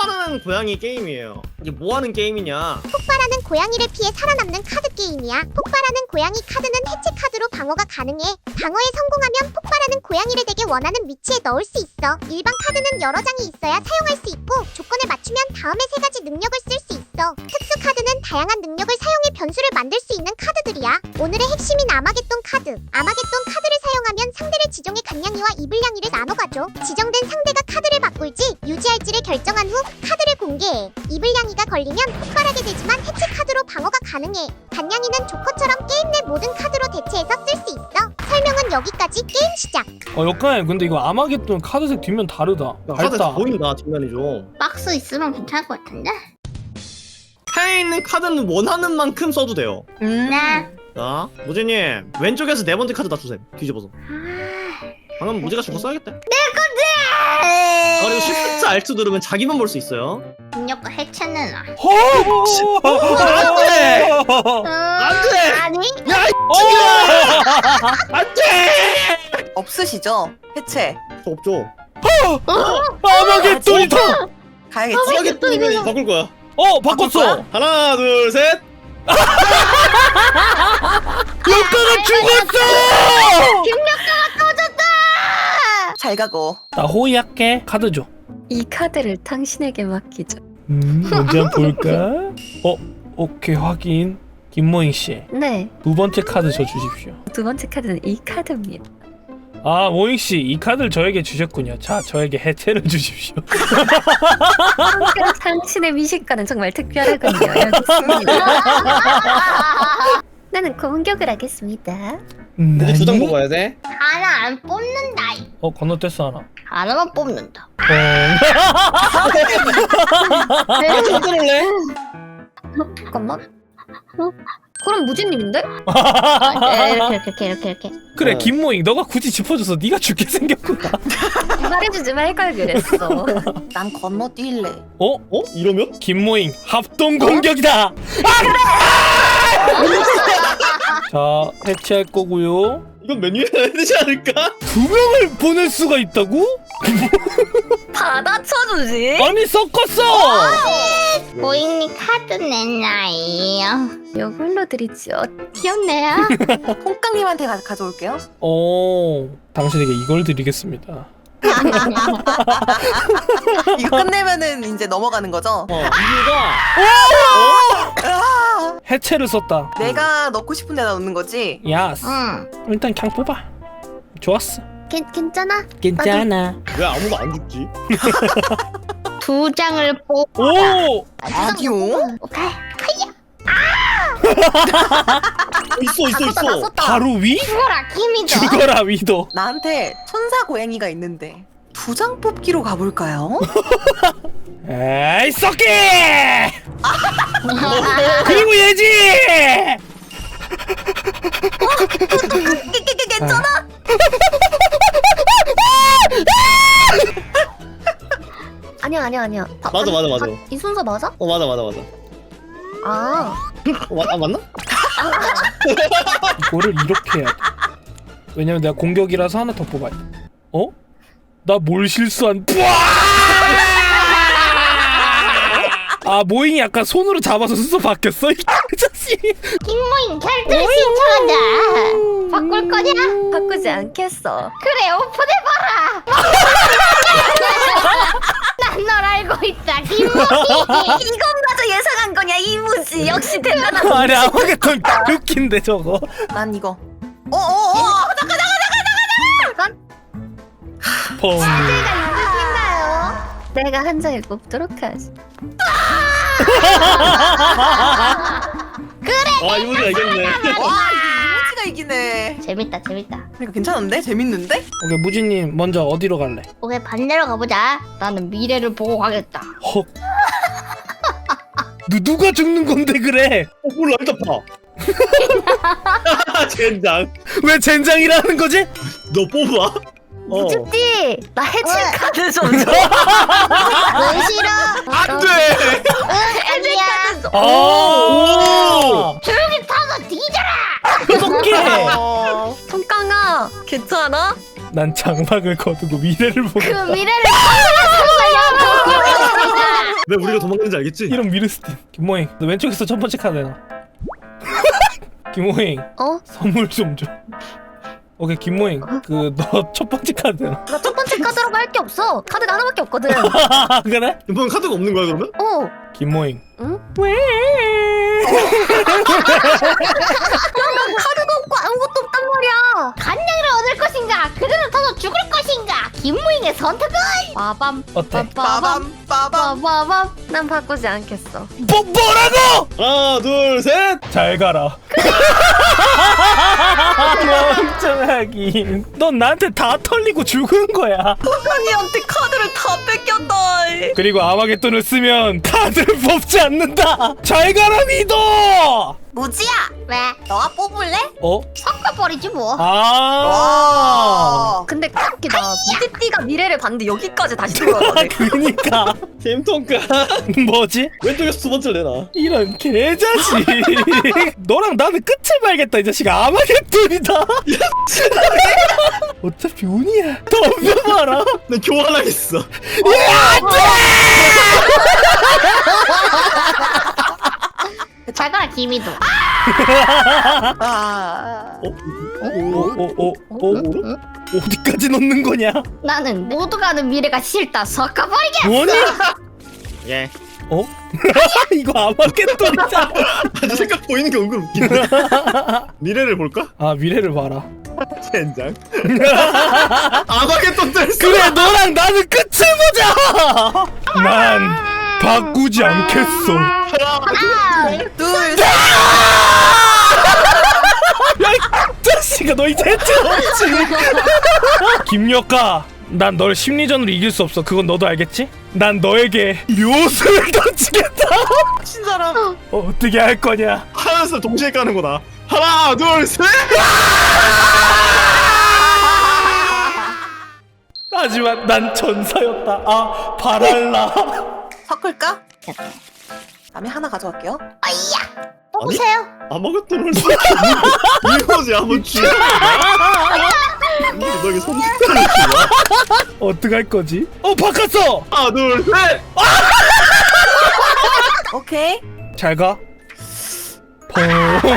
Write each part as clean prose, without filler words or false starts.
폭발하는 고양이 게임이에요. 이게 뭐하는 게임이냐? 폭발하는 고양이를 피해 살아남는 카드 게임이야. 폭발하는 고양이 카드는 해체 카드로 방어가 가능해. 방어에 성공하면 폭발하는 고양이를 댁에 원하는 위치에 넣을 수 있어. 일반 카드는 여러 장이 있어야 사용할 수 있고 조건을 맞추면 다음에 3가지 능력을 쓸 수 있어. 특수 카드는 다양한 능력을 사용해 변수를 만들 수 있는 카드들이야. 오늘의 핵심인 아마겟돈 카드. 아마겟돈 카드를 사용하면 상대를 지정해 간냥이와 이블냥이를 나눠가줘. 지정된 상대가 카드를 바꿀지 유지할지를 결정한 후 카드를 공개해. 이블냥이가 걸리면 폭발하게 되지만 해체 카드로 방어가 가능해. 간냥이는 조커처럼 게임 내 모든 카드로 대체해서 쓸 수 있어. 설명은 여기까지. 게임 시작. 역할 근데 이거 아마겟돈 카드색 뒷면 다르다. 카드 밝다. 보인다 뒷면이 좀. 박스 있으면 괜찮을 것 같은데? 차에 있는 카드는 원하는 만큼 써도 돼요. 네. 자, 무지님 왼쪽에서 4번째 카드 다 주셈. 뒤집어서. 방금 무지가 저거 써야겠다. 아, 그리고 Shift Alt 누르면 자기만 볼 수 있어요. 능력과 해체는 안돼! 안돼! 아니? 야, 안돼! 없으시죠? 해체. 저 없죠. 아마겟돈이 더. 가야겠지? 하겠다. 바꿀 거야. 바꿨어. 하나, 둘, 셋. 역가가 죽었어. 잘 가고. 나 호의할게. 카드 줘. 이 카드를 당신에게 맡기죠. 먼저 한번 볼까? 오케이 확인. 김모잉 씨, 네, 2번째 카드 줘 주십시오. 2번째 카드는 이 카드입니다. 아, 모잉 씨, 이 카드를 저에게 주셨군요. 자, 저에게 해체를 주십시오. 당신의 미식가는 정말 특별하군요. 여기 있습니다. 나는 공격을 하겠습니다. 이제 2장 뽑아야 돼. 하나 안 뽑는다. 건너뛰었어 하나. 하나만 뽑는다. 좀 들을래? 잠깐만. 그럼 무진님인데? 이렇게. 그래, 어. 김모잉, 너가 굳이 짚어줘서 네가 죽게 생겼구나. 말해주지 말걸 그랬어. 난 건너뛸래. 이러면? 김모잉, 합동 공격이다. 자, 해체할 거고요. 이건 메뉴에 넣어야 되지 않을까? 2명을 보낼 수가 있다고? 받아쳐주지? 아니, 섞었어. 고잉님 카드 내놔요. 이걸로 드리죠. 귀엽네요. 홍깡님한테 가져올게요. 당신에게 이걸 드리겠습니다. 이거 끝내면은 이제 넘어가는 거죠? 이유가 해체를 썼다. 내가 넣고 싶은 데다 넣는 거지? 야스. 응. 일단 그냥 뽑아. 좋았어. 괜찮아? 괜찮아. 왜 아무도 안 죽지? 2장을 뽑. 오! 라디오? 오케이. 있어. 바로 위? 죽어라 김이죠. 죽어라 위도. 나한테 천사 고양이가 있는데 2장 뽑기로 가볼까요? 에이 썩기! 그리고 얘지! 괜찮아? 아니야. 맞아. 이 순서 맞아? 맞아. 아, 맞나? 이거를 이렇게 해야 돼. 왜냐면 내가 공격이라서 하나 더 뽑아야 돼. 나 뭘 실수한? 아, 모잉이 약간 손으로 잡아서 순서 바뀌었어? 이 자식. 김모잉 캐릭터를 신청한다. 바꿀 거냐? 바꾸지 않겠어. 그래 오픈해봐라. 난 널 알고 있다 김모잉. 이건마저 예상한 거냐 이무지. 역시 대단하다. 아니, 아마겟돈 웃긴데 저거. 난 이거. 펑. 내가 한 장을 뽑도록 하지. 이모지가 이겼네. 와, 이모지가 이기네. 재밌다. 그러니까 괜찮은데? 재밌는데? 오케이, 무진님 먼저 어디로 갈래? 오케이 반대로 가보자. 나는 미래를 보고 가겠다. 헉. 누가 죽는 건데 그래? 몰라 일단 봐. 젠장. 왜 젠장이라는 거지? 너 뽑아. 무집지. 나 해체 카드 좀 줘. 왜 싫어? 안 돼. 아니야. 오! 조용히 타서 뒤져라. 어떡해! 손깡아, 괜찮아? 난 장막을 거두고 미래를 보고 그 미래를 보고 왜 우리가 도망가는지 알겠지? 이런 미르스틴. 김모잉, 너 왼쪽에서 첫 번째 카드 내놔. 김모잉, 어? 선물 좀 줘. 오케이, 김모잉, 그 너 첫 번째 카드 내놔. 나 첫 번째 카드라고 할 게 없어. 카드가 하나밖에 없거든. 그래? 이번 카드가 없는 거야 그러면? 어. 김모잉. 응? 왜? 카드도 없고 아무것도 없단 말이야. 간냥이를 얻을 것인가? 그대로 타서 죽을 것인가? 김무잉의 선택은? 빠밤. 어때? 빠밤 빠밤. 빠밤. 난 바꾸지 않겠어. 뭐라고? 하나 둘 셋. 잘 가라. 멍청하긴. 넌 나한테 다 털리고 죽은 거야. 언니한테 카드를 다 뺏겼다. 그리고 아마겟돈을 쓰면 카드를 뽑지 않는다. 잘 가라 믿어. 무지야. 왜? 너가 뽑을래? 어? 섞어버리지 뭐. 아. 근데 웃기다. 무지띠가 미래를 봤는데 여기까지 다시 돌아가네. 그니까 잼통가. 뭐지? 왼쪽에서 두 번째를 내놔. 이런 개자식. 너랑 나는 끝을 봐야겠다. 이 자식아. 아마겟돈이다. 어차피 운이야. 덤벼봐라. 난 교환하겠어. 잘 가라 김이도. 아. 어디까지 넣는 거냐? 나는 모두가 아는 미래가 싫다. 섞어버리게. 뭐니? 예. 어? 이거 아마겟돈이잖아. 아주 생각 보이는 게 은근 웃긴데. 미래를 볼까? 아 미래를 봐라. 젠장. 아마겟돈 뜰 그래 너랑 나는 끝을 보자. 난 바꾸지 않겠어. 둘. 야이 자식아 너 이제 없지. 김여가 난 널 심리전으로 이길 수 없어. 그건 너도 알겠지? 난 너에게 묘수를 던지겠다. 친 사람 어떻게 할 거냐? 하면서 동시에 까는 거다. 하나 둘 셋. 하지만 난 전사였다. 아 바랄라. 섞을까? 다음에 하나 가져갈게요. 뽑으세요. 아마겟돈을 이거지 한번 주야. 너에게 선택권을 주냐? 어떻게 할 거지? 바꿨어. 하나 둘 셋. 오케이. 잘 가. 펑.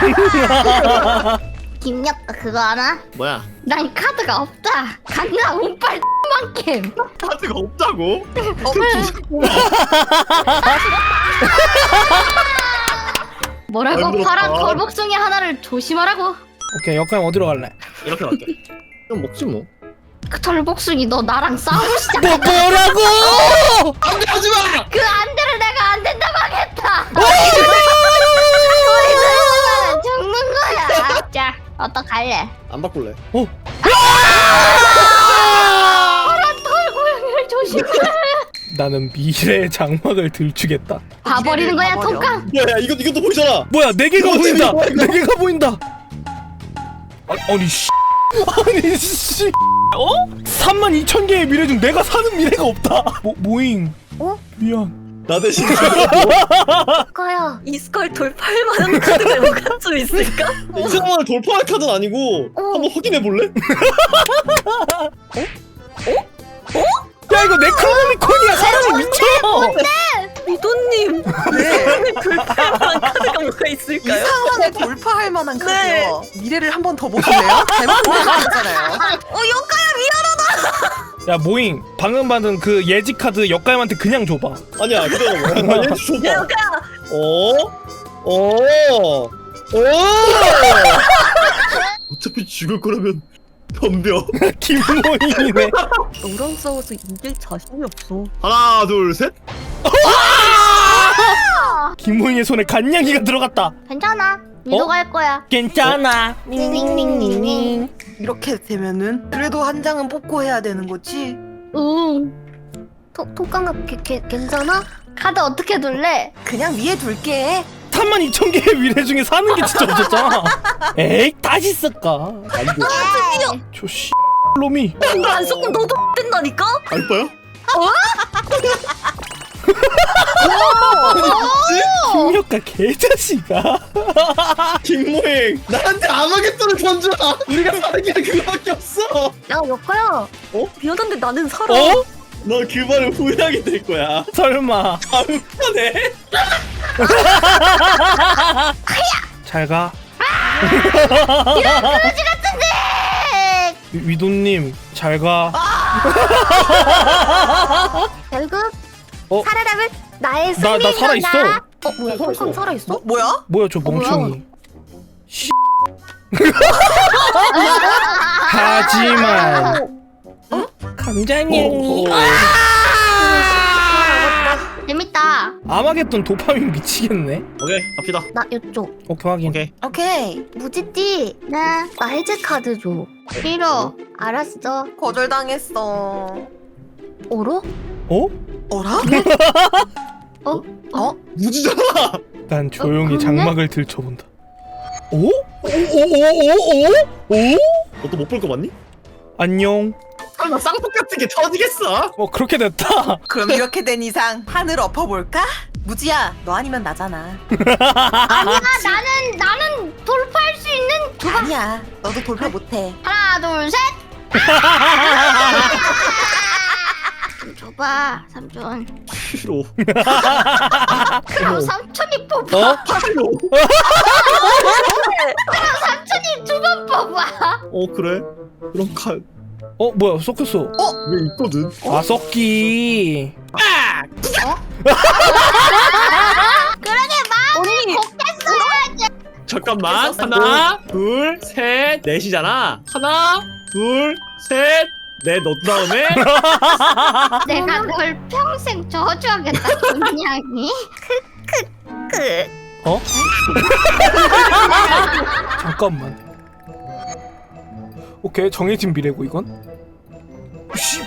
김력 그거 알아? 뭐야? 난 카드가 없다. 강나 운빨 만큼. 카드가 없다고? 뭐라고? 힘들었다. 파란 걸복숭이 하나를 조심하라고. 오케이 역할 어디로 갈래? 이렇게 갈게. 그럼 먹지 뭐. 그 털복숭이 너 나랑 싸우고 시작. 뭐라고? 안돼 하지 마. 그 안대를 내가 안 된다고 하겠다. 우리 죽는 거야. 자, 어떡할래? 안 바꿀래. 파란 털고양이를 조심해. 나는 미래의 장막을 들추겠다. 봐버리는 거야, 봐버려. 통깡. 야 이것도 보이잖아. 뭐야 네 개가 이거 보인다. 이거, 이거. 네 개가 보인다. 아니 씨. 아니 씨. 32,000개의 미래 중 내가 사는 미래가 없다. 모잉. 미안. 나 대신 거야. 이스컬 돌파할 만한 카드가 뭐가 좀 있을까? 이상한을 돌파할 카드는 아니고 한번 확인해 볼래? 야 이거 네크로노미콘이야. 사람이 미쳐. 미도님. 네. 돌파할 만한 카드가 뭐가 있을까요? 이상한을 돌파할 만한 카드요. 미래를 한 번 더 보실래요? 잘못 보셨잖아요. 여가야 미안하다. 야 모잉. 방금 받은 그 예지 카드 역가임한테 그냥 줘봐. 아니야 기다려봐. 나 얘 줘봐. 여가야. 어차피 죽을 거라면 덤벼. 김모잉이네. 너랑 싸워서 이길 자신이 없어. 하나 둘 셋. 김모잉의 손에 간냥이가 들어갔다. 괜찮아. 미도가 할 거야. 괜찮아. 닝닝닝닝닝. 이렇게 되면은 그래도 한 장은 뽑고 해야 되는 거지. 응. 통깡아 괜찮아? 카드 어떻게 둘래? 그냥 위에 둘게. 32,000개의 미래 중에 사는 게 진짜 없었잖아. 에이 다시 쓸까? 저씨 놈이. 이거 안 섞으면 너도 된다니까? 알바야? 김력가 개자식아. 김모행 나한테 아마겟돈을 던져. 우리가 사는 게 그거밖에 없어. 야 여가야. 어? 미안한데 나는 살아. 어? 너 그 말을 후회하게 될 거야. 설마. 다음 편에. 잘가. 거지 같은데. 위도님 잘가. 결국 어? 살아남은 나의 나 승리인 살아있어. 거다. 뭐야 형康살아있어? 뭐야? 뭐야 저 멍청이. 하지만 감자냥이 재밌다. 아마겟돈 도파민 미치겠네. 오케이 갑시다. 나 이쪽 오케이 확인. 오케이. 오케이. 무지띠 나 해제 카드 줘. 싫어. 알았어. 거절당했어. 오로? 어? 어라? 무지잖아. 난 조용히 그러네? 장막을 들춰본다. 오? 오? 너 또 못 볼 거 맞니? 안녕. 설마 쌍폭 같은 게 터지겠어? 그렇게 됐다. 그럼 이렇게 된 이상 하늘 엎어볼까? 무지야, 너 아니면 나잖아. 아니야 나는 돌파할 수 있는 아니야, 너도 돌파 못해. 하나 둘 셋. 줘봐 삼촌. 싫어. 그럼 삼촌이 뽑아. 어? 싫어. 삼촌이 두 번 뽑아. 그래? 그럼 칼. 뭐야 섞였어. 왜 있거든? 아 섞기. 언니! 잠깐만. 하나, 둘, 셋, 넷이잖아. 하나, 둘, 셋, 넷 넣은 다음에 내가 널 평생 저주하겠다 분명히. 어? 잠깐만. 오케이 정해진 미래고 이건. 씨.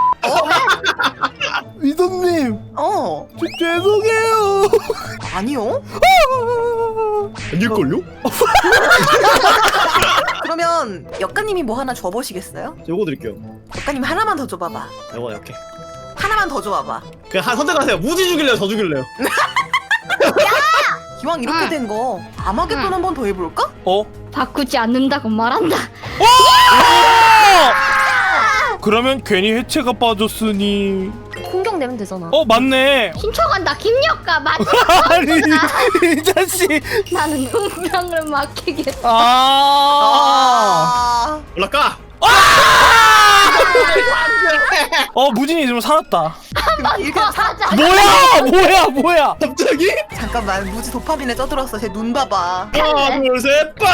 위도님 죄송해요. 아니요? 아닐걸요? 그러면 역가님이 뭐 하나 줘보시겠어요? 요거 드릴게요. 역가님 하나만 더 줘봐봐. 요거 이렇게. 하나만 더 줘봐봐. 그냥 한 선택하세요. 무지 죽일래요? 저 죽일래요? 기왕 이렇게 된 거 아마겟돈 한 번 더 해볼까? 바꾸지 않는다고 말한다. 그러면 괜히 해체가 빠졌으니. 공격 내면 되잖아. 맞네. 신청한다 김력가 맞지? 아니 이 자식. 나는 운명을 맡기겠다. 올라가. 무진이 지금 살았다. 이렇게 하자. 뭐야? 갑자기? 잠깐만, 무지 도파민에 떠들었어. 쟤 눈 봐봐. 하나, 둘, 셋, 빵!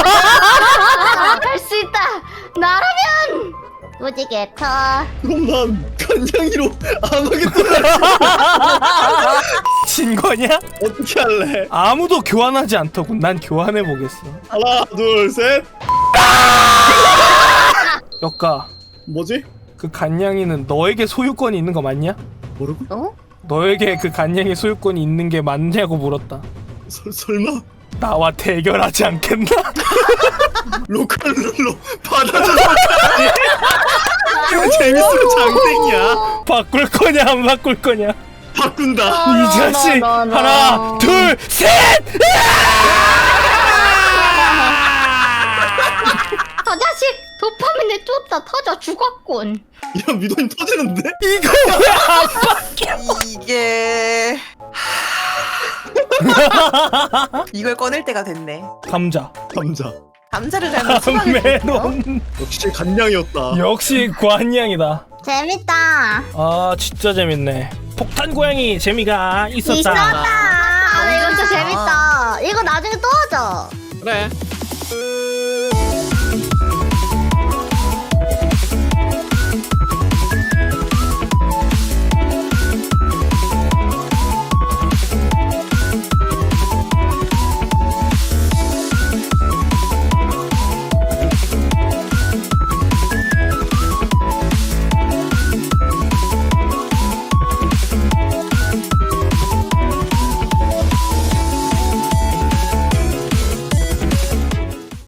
할 수 있다. 나라면 무지개터. 그럼 난 간장이로 안 하겠다. 진 거냐? 어떻게 할래? 아무도 교환하지 않더군. 난 교환해 보겠어. 하나, 둘, 셋. 역가, 뭐지? 그 간냥이는 너에게 소유권이 있는 거 맞냐? 모르고? 너에게 그 간냥이 소유권이 있는 게 맞냐고 물었다. 설마? 나와 대결하지 않겠나? 로컬룰로 받아주는 거야? 이거 재밌으면 장땡이야. 바꿀 거냐 안 바꿀 거냐? 바꾼다. 이 자식. 하나 둘 셋. 저 자식 도파민에 쫓다 터져 죽었군. 이런 미도님 터지는데? 이거 왜 안 바뀌어? 이게 이걸 꺼낼 때가 됐네. 감자. 감자. 감자를 잘못 수박을 메론. 역시 간냥이었다. 역시 관냥이다. 재밌다. 아 진짜 재밌네. 폭탄 고양이 재미가 있었다. 이것도 재밌다. 이거 나중에 또 하자. 그래.